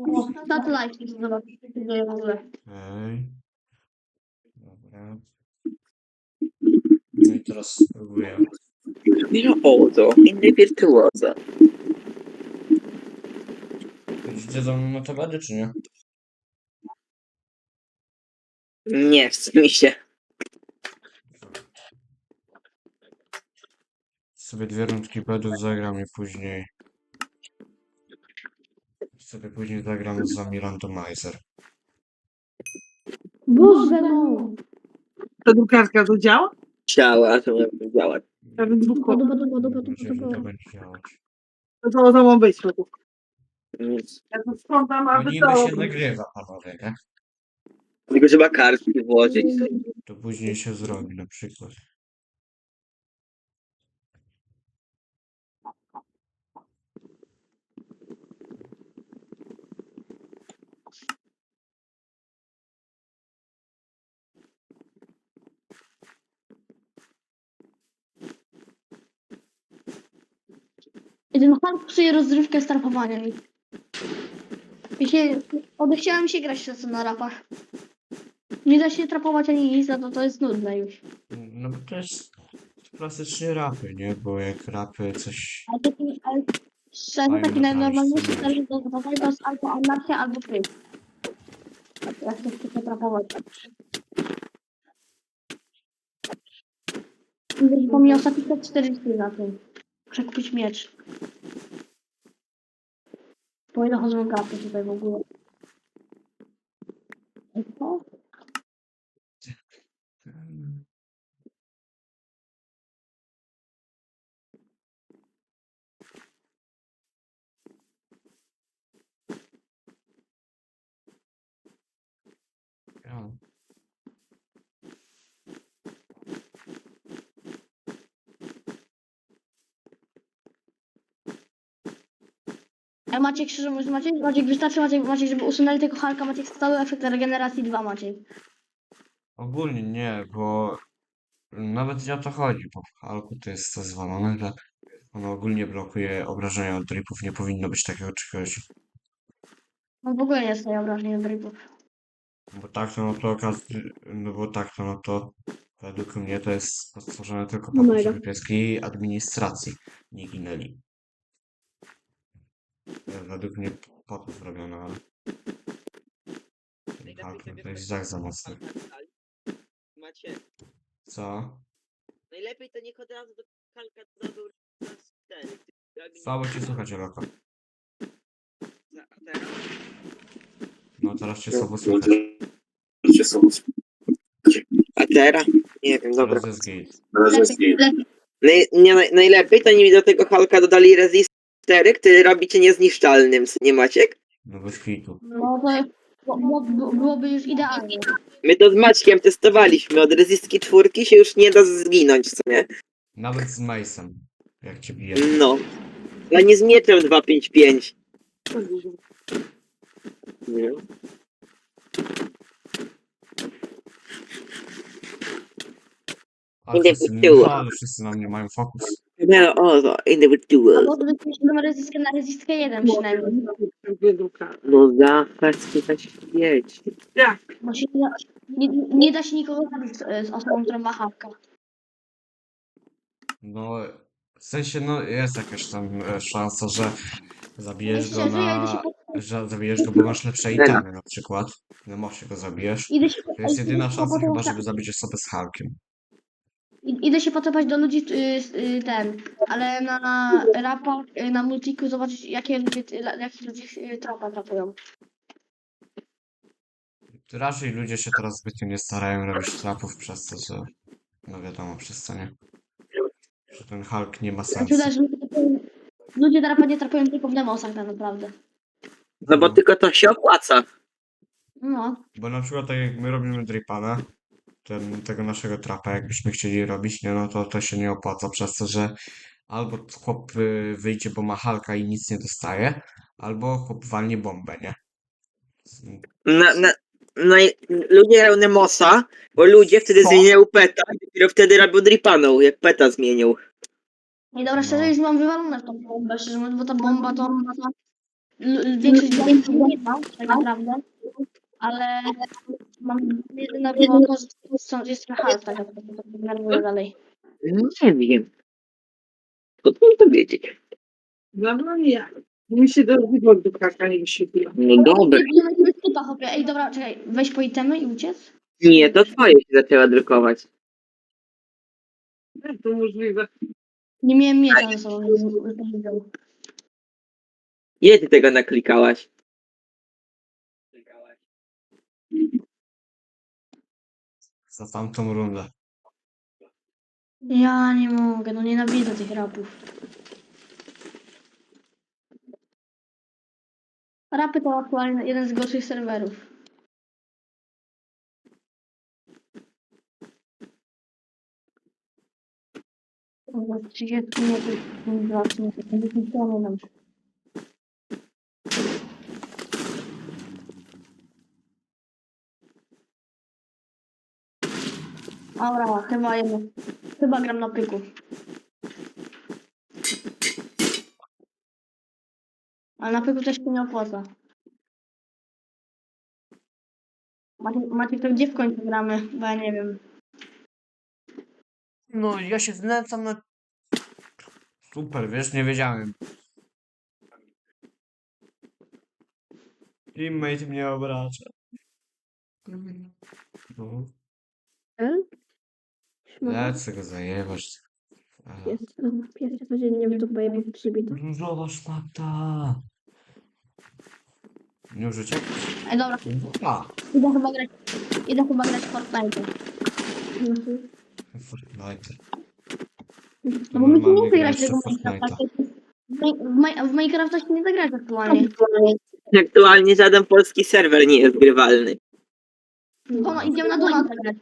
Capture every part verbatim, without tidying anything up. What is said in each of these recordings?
Na to lajki zobaczyć, co się dzieje w ogóle. Okej. Dobra. No i teraz spróbuję. Wirtuozo, inny wirtuozo. Idziecie za mną na to gady, czy nie? Nie chce mi się. Sobie dwie rundki bedów zagram i później... Sobie później zagram z wami randomizer. Boże no! Ta drukarka to działa? Działa, to miałby działać. Ja bym dwóch Dupa, dupa, dupa, Mam dupa, nadzieję, że dupa. to będzie działać. To to, to ma być. No to- Nic. Ja to sprzątam, No aby niby to... się nagrywa, panowie, nie? Tylko trzeba kartki włożyć. To później się zrobi na przykład. Jeden pan psuje rozrywkę strapowania mi. Mi się... Odechciałem się grać czasem na rapach. Nie da się trapować ani nic, no to to jest nudne już. No bo to jest klasycznie rapy, nie? Bo jak rapy coś... Ale taki, ale szczerze, Fajnie taki naprawić, najnormalniejszy co scenariusz do zabawy to jest albo anarchia, albo kryt. Jak ktoś chce potrapować. Pomimo ostatnio czterdzieści na tym. Muszę kupić miecz. Bo ile chodzą gapy tutaj w ogóle. I co? Ja. Ale Maciek, szczerze mówiąc, Maciek, Maciek wystarczy Maciek, Maciek, żeby usunęli tego Halka, Maciek stały efekt regeneracji dwa Maciek. Ogólnie nie, bo nawet nie o to chodzi, bo w Halku to jest to zwalone, że ono ogólnie blokuje obrażenia od dripów, nie powinno być takiego czegoś. No w ogóle nie jest tutaj obrażeń od rybów. Bo tak to no to okaz- no bo tak to no to według mnie to jest stworzone tylko po No to, mega. żeby pieski administracji nie ginęli. To jest według mnie po to zrobione, ale ten Hulk no to jest tak za mocny. Macie. Co? Najlepiej to niech od razu do kalka dodał raz cztery. Słabo cię słychać, Eloko. A teraz? No teraz cię słabo słychać. A teraz? Nie wiem, dobra. Teraz jest gate. Lepiej, lepiej. Naj, nie, naj, najlepiej to nie do tego Halka dodali resist cztery, który robi cię niezniszczalnym, nie Maciek? No bez hitu. No to bo, bo, bo, byłoby już idealnie. My to z Maćkiem testowaliśmy, od resistki czwórki się już nie da zginąć, co nie? Nawet z Mace'em, jak cię bije. No. A nie z mieczem dwa pięć pięć. Nie. Ale Idę wszyscy, w tył. ale wszyscy na mnie mają fokus. No, o, to individual. Albo to jest na rezystkę na rezystkę jeden przynajmniej. Dwie drukarki. No zapas, chyba świeci. Jak? Bo się nie, da- nie, nie da się nikogo zabić z, z osobą, która ma hawka. No, w sensie, no jest jakaś tam e, szansa, że zabijesz go Szczerze, ja idę się na... po, że zabijesz go, bo masz lepsze itemy na przykład. Na mosie go zabijesz. idę się, To jest jedyna idę szansa po, chyba, żeby zabić osobę z Hulkiem. idę się potrapać do ludzi y, y, ten, ale na rapach, y, na multiku zobaczyć jakie ludzie, y, jakich ludzi y, trapa trapują. Raczej ludzie się teraz zbytnio nie starają robić trapów przez to, że... No wiadomo, przez co nie. Że ten Hulk nie ma Ja sensu. czuję, że ludzie, trapują- ludzie na rapach nie trapują tylko w demosach tak naprawdę. No bo tylko to się opłaca. No. Bo na przykład tak jak my robimy dripana, ten, tego naszego trapa, jakbyśmy chcieli robić, nie, no to to się nie opłaca przez to, że albo chłop y, wyjdzie, bo ma Halka i nic nie dostaje, albo chłop walnie bombę, nie? Na, na, na, ludzie grają Nemosa, bo ludzie wtedy Co? zmieniają peta i dopiero wtedy robią dripaną, jak peta zmienił. I dobra, szczerze, No. już mam wywalone w tą bombę, szczerze mówiąc, bo ta bomba to... l- większość ludzi nie ma, tak naprawdę, ale mam jedyna była to, że są- jest trochę half, tak naprawdę, to denerwuje dalej. Nie wiem. Skąd mam to wiedzieć? Dla mnie jak? Mi się do do kaka nie wyświetliła. No dobra. Nie ma tyle typa, chłopie. Ej, dobra, czekaj, weź po itemy i uciec. Nie, to twoje się zaczęła drukować. Jak to możliwe? Nie miałem miecza ze sobą, więc nie widział. Ile ty tego naklikałaś? Za tamtą rundę. Ja nie mogę, no nienawidzę tych rapów. Rapy to aktualnie jeden z gorszych serwerów. Kurwa, trzydzieści metrów, dwa, trzy metry, pięćdziesiąt kilometrów. Dobra, chyba jedno. Chyba gram na pyku. Ale na pyku też się nie opłaca. Macie, macie to gdzie w końcu gramy? Bo ja nie wiem. No, ja się znęcam na... Super, wiesz, nie wiedziałem. Teammate mnie obraża. No, L? Szmata. lecę go zajebać. Aha. Jest to pierwsze codziennie w dupę je przybito. Różowa szmata. Nie użycie? Ej, dobra, A, idę chyba grać, idę chyba grać w Fortnite. Mhm. Fortnite. No bo my się nie Normalnie chce grać grać tego w Fortnite'a. Minecrafta. W Mi- W Minecrafta się nie da grać aktualnie. Aktualnie żaden polski serwer nie jest grywalny. Kono, idziemy na Donata grać.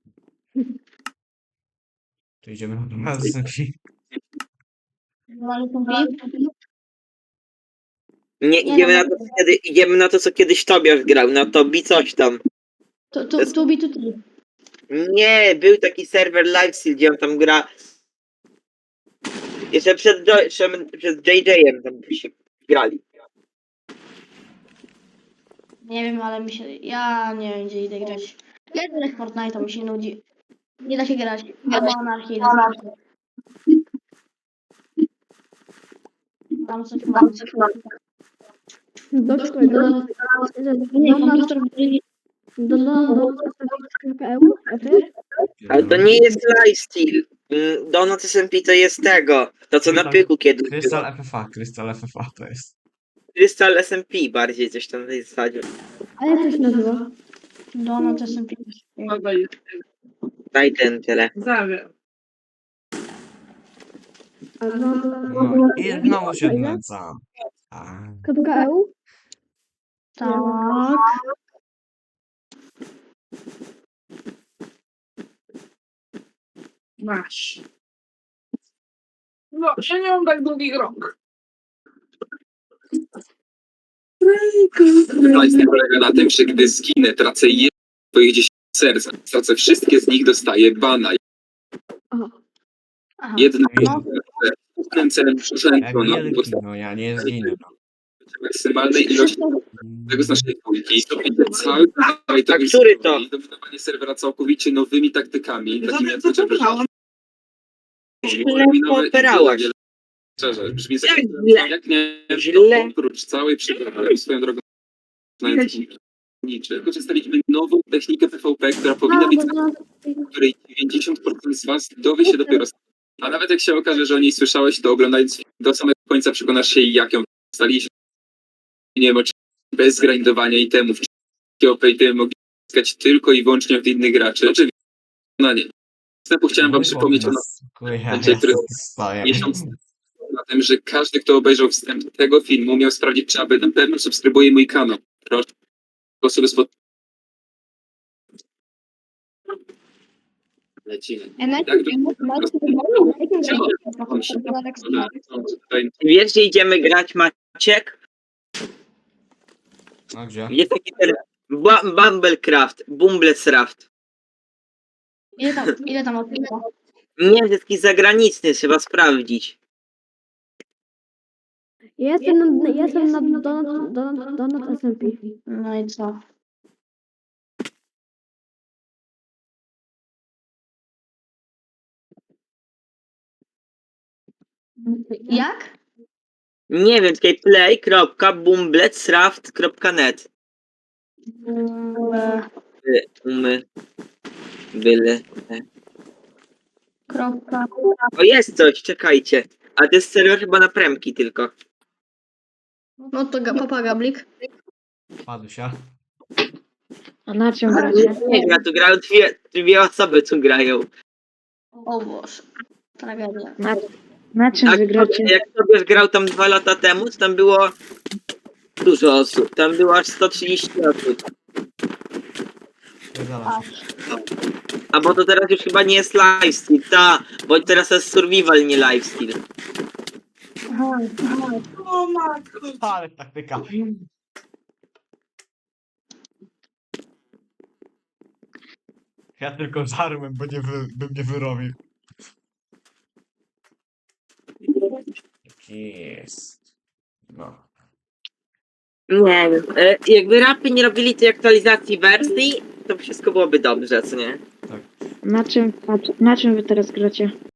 To idziemy na magazynki. Donata są pi. Nie, Nie, idziemy no, na to, co kiedy, idziemy na to, co kiedyś Tobiasz grał, na Tobi coś tam. Tu, tu, tu, bi, tu, tu. Nie, był taki serwer Livestream, gdzie on tam gra. Jeszcze przed, Jo- jeszcze przed J J-em tam się grali. Nie wiem, ale mi się, ja nie wiem gdzie idę grać. Ja idę grać w Fortnite, mi się nudzi. Nie da się grać. Albo anarchii. Tam coś mam. Do czego? Nie, komputer Do do do Ale to nie jest lifestyle. Mm, Donut S M P to jest tego. To co na pyku kiedyś Krystal było. F F A, Krystal F F A to jest. Crystal S M P bardziej coś tam w tej zasadzie. A jak to się nazywa? Donut S M P. Chyba jest. Daj ten tyle. Zawiem. A no, No i znowu się znęcam. A, Kropka E U? Tak. Masz. No, ja nie mam tak długich rąk. Lifestyle polega na tym, że gdy zginę, tracę jedno z twoich dziesięć serc. Tracę wszystkie z nich, dostaję bana. Aha. Jedno No, głównym celem jak przeszętło na wielki, no ja nie zginę. No. maksymalnej ilości tego z naszej dwójki. Cały cały A który to? I dominowanie serwera całkowicie nowymi taktykami, takimi jak chociażby Źle pooperałaś. Szczerze, brzmi Jak jak, źle? jak nie, Źle. oprócz całej przygody swoją drogą niczy, wykorzystaliśmy nową technikę P V P, która powinna być której dziewięćdziesiąt procent z was dowie się dopiero. A nawet jak się okaże, że o niej słyszałeś, to oglądając film do samego końca przekonasz się, jak ją staliśmy. Nie wiem, oczywiście bez grindowania itemów, czy O P itemy mogli zyskać tylko i wyłącznie od innych graczy. Oczywiście, no nie. Wstępu chciałem wam przypomnieć o Ja który- stoję. miesiąc na tym, że każdy, kto obejrzał wstęp tego filmu, miał sprawdzić, czy aby na pewno subskrybuje mój kanał. Proszę, osoby spod... Lecimy. ja najpierw- Tak, Tutaj Wiesz, gdzie idziemy grać, Maciek? A gdzie? Jest taki ten Ba- Bumblecraft, Bumblesraft. Ile tam, ile tam odcinka? Nie, to jest jakiś zagraniczny, trzeba sprawdzić. Ja jestem na, ja jestem na Donut, Donut, Donut S M P. No i co? Jak? Nie wiem, tutaj play kropka bumbletsraft kropka net. Mm, Umy. Byle. Kropka. O, jest coś, czekajcie. A to jest serwer chyba na premki tylko. No to ga- papa Gablik. Padusia. A na czym gracie? Nie gra, tu grają dwie, dwie osoby tu grają. O Boże. Tragedia. Na, na czym Jak, wy gracie? jak sobie grał tam dwa lata temu, to tam było dużo osób. Tam było aż sto trzydzieści osób. Pierdala się. A bo to teraz już chyba nie jest lifesteal, ta, bo teraz jest survival, nie lifesteal. Aha, aha. O matko. Ale taktyka. Ja tylko żarłem, bo nie wy, bym nie wyrobił. Tak jest. No. Nie wiem, e, jakby rapy nie robili tej aktualizacji wersji, to wszystko byłoby dobrze, co nie? Na czym, na, na czym wy teraz gracie?